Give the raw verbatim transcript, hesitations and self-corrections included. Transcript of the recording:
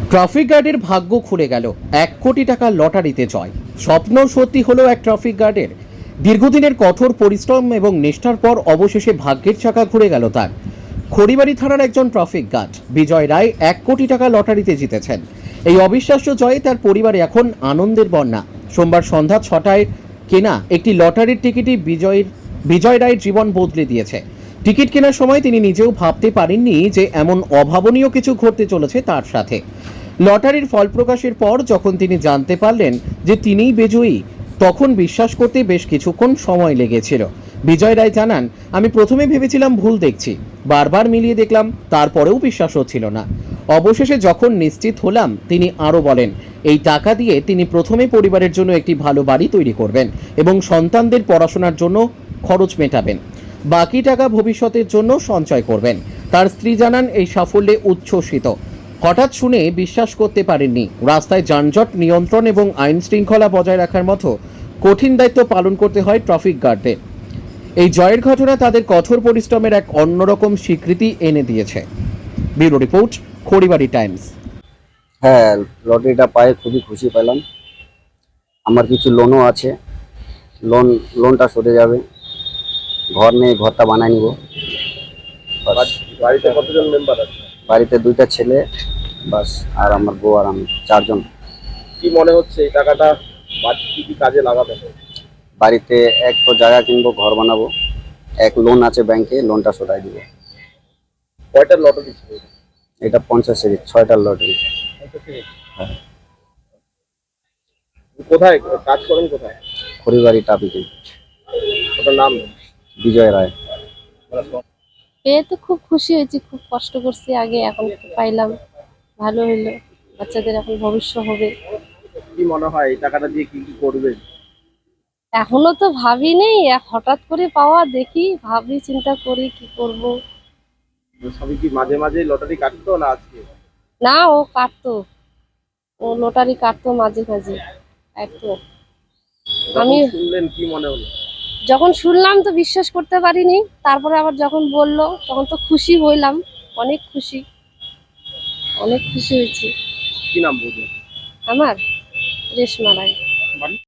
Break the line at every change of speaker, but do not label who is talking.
Traffic গার্ডের ভাগ্য খুলে গেল। এক কোটি টাকা লটারিতে জয়। স্বপ্ন সত্যি হলো এক ট্রাফিক গার্ডের। দীর্ঘদিনের কঠোর পরিশ্রম এবং নিষ্ঠার পর অবশেষে ভাগ্যের চাকা ঘুরে গেল তার। খড়িবাড়ি থানার একজন ট্রাফিক গার্ড বিজয় রায় এক কোটি টাকা লটারিতে জিতেছেন। এই অবিশ্বাস্য জয়ে তার পরিবারে এখন আনন্দের বন্যা। সোমবার সন্ধ্যা ছটায় কেনা একটি লটারির টিকিটই বিজয়ের বিজয় রায়ের জীবন বদলে দিয়েছে। টিকিট কেনার সময় তিনি নিজেও ভাবতে পারেননি যে এমন অভাবনীয় কিছু ঘটতে চলেছে তার সাথে। লটারির ফল প্রকাশের পর যখন তিনি জানতে পারলেন যে তিনিই বিজয়ী, তখন বিশ্বাস করতে বেশ কিছুক্ষণ সময় লেগেছিল। বিজয় রায় জানান, আমি প্রথমে ভেবেছিলাম ভুল দেখছি, বারবার মিলিয়ে দেখলাম, তারপরেও বিশ্বাস হচ্ছিল না। অবশেষে যখন নিশ্চিত হলাম, তিনি আরও বলেন, এই টাকা দিয়ে তিনি প্রথমে পরিবারের জন্য একটি ভালো বাড়ি তৈরি করবেন এবং সন্তানদের পড়াশোনার জন্য খরচ মেটাবেন। বাকি টাকা ভবিষ্যতের জন্য সঞ্চয় করবেন। তার স্ত্রী জানান, এই সাফল্যে উচ্ছ্বসিত। হঠাৎ শুনে বিশ্বাস করতে পারেননি। রাস্তায় যানজট নিয়ন্ত্রণ এবং আইন শৃঙ্খলা বজায় রাখার মতো কঠিন দায়িত্ব পালন করতে হয় ট্রাফিক গার্ডদের। এই জয়ের ঘটনা তাদের কঠোর পরিশ্রমের এক অন্যরকম স্বীকৃতি এনে দিয়েছে। Bureau report, Kharibari Times.
হ্যাঁ, লটারিটা পায়ে খুবই খুশি পেলাম। আমার কিছু লোনও আছে, লোন লোনটা সরে যাবে। ঘর নেই, ঘরটা বানায় নিব।
বাড়িতে কতজন মেম্বার আছে?
বাড়িতে দুইটা ছেলে বাস, আর আমার বউ আর আমি, চারজন।
কি মনে হচ্ছে এই টাকাটা কি কি কাজে লাগাবে?
বাড়িতে এক তো জায়গা কিনবো, ঘর বানাবো, এক লোন আছে ব্যাংকে, লোনটা সরাই দিব।
কয়টা লটারি ছিল?
এটা পঞ্চাশ সিরিজ, ছয়টার লটারি। হ্যাঁ।
কোথায় কাজ করেন? কোথায়?
খড়িবাড়ি ট্রাফিকে।
ওটার নাম?
বিজয় রায়।
পেয়ে তো খুব খুশি হয়েছি, খুব কষ্ট করছি আগে, এখন পাইলাম, ভালো হইলো। বাচ্চাদের এখন ভবিষ্যৎ হবে।
কি মনে হয় এই টাকাটা দিয়ে কি কি করবে?
এখনো তো ভাবি নেই, হঠাৎ করে পাওয়া, দেখি ভাবি চিন্তা করি কি করব।
সবই কি মাঝে মাঝে লটারি কাটতো না আজকে?
না, ও কাটতো, ও লটারি কাটতো মাঝে মাঝে কাটতো। আমি
শুনলেন কি মনে হলো?
যখন শুনলাম তো বিশ্বাস করতে পারিনি, তারপরে আবার যখন বললো তখন তো খুশি হইলাম, অনেক খুশি, অনেক খুশি হয়েছি।
কি নাম বলবেন?
আমার রেশমা রায়।